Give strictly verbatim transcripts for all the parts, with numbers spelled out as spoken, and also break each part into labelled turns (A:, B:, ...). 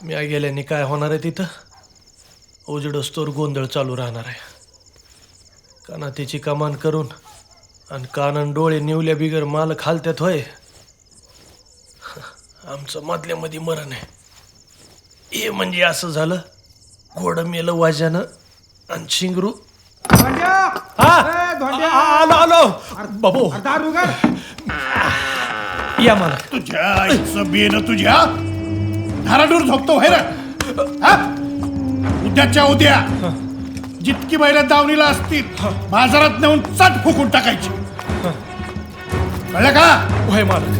A: मी गेल्याने काय होणार आहे तिथं? उजेडस्तोर गोंधळ चालू राहणार आहे. कानातीची कमान करून आणि कानन डोळे निवल्या बिगर माल खालत्यात होय. आमचं मधल्यामध्ये मरण आहे. हे म्हणजे असं झालं, घोडं मेलं वाजानं आणि शिंगरू. आलो आलो बाबू, या मला.
B: तुझ्या आईचं बेन तुझ्या धाराडूर झोपतो व्हाय रे. उद्याच्या उद्या जितकी बैल दावणीला असतील बाजारात नेऊन चट फुकून टाकायची. कळलं का?
A: होय मालक.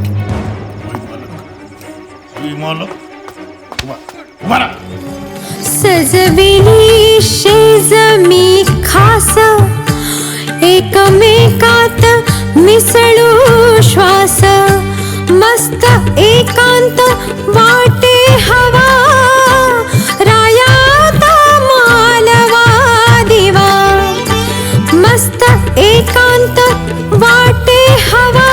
B: मालक उभा राहा.
C: सजविली शेज मी खास एकमेकात मिसळू श्वास मस्त एकांत वाटे हवा रायात मालवा दिवा मस्त एकांत वाटे हवा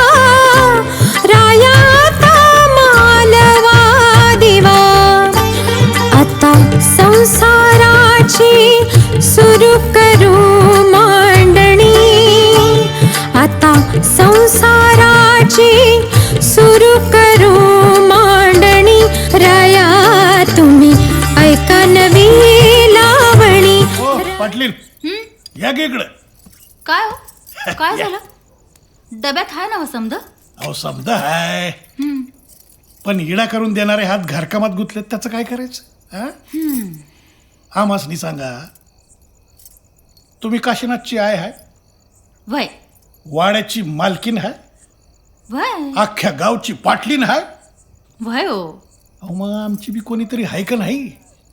C: रायात मालवा दिवा आता संसाराची सुरू करू मांडणी आता संसाराची सुरू करू मांडणी राया तुम्ही ऐका नवी लावणी.
B: हो पाटलीन या की इकडं.
D: काय हो काय झालं? डब्यात आहे ना समज?
B: अहो समजा हाय, पण इडा करून देणारे हात घरकामात गुंतलेत, त्याचं काय करायचं? हा हा मासनी सांगा, तुम्ही काशीनाथची आय हाय,
D: वय
B: वाड्याची मालकीन हाय,
D: वय
B: अख्ख्या गावची पाटलीन हाय.
D: वय हो.
B: अहो मग आमची बी कोणीतरी हाय का नाही?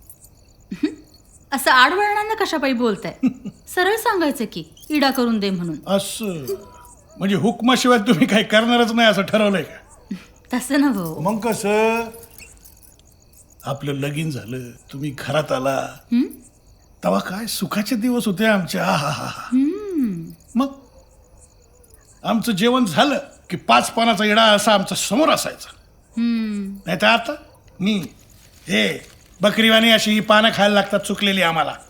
D: असं आडवळणानं कशापायी बोलताय? सरळ सांगायचं की इडा करून दे म्हणून.
B: असं म्हणजे हुकमाशिवाय तुम्ही काही करणारच नाही असं ठरवलंय का?
D: तसं ना भाऊ.
B: मग कसं, आपलं लगीन झालं, तुम्ही घरात आला तेव्हा काय सुखाचे दिवस होते आमचे. आहा हा हा. मग आमचं जेवण झालं की पाच पानाचा इडा असा आमच्या समोर असायचा. नाही तर आता मी हे बकरीवाणी अशी ही पानं खायला लागतात चुकलेली आम्हाला.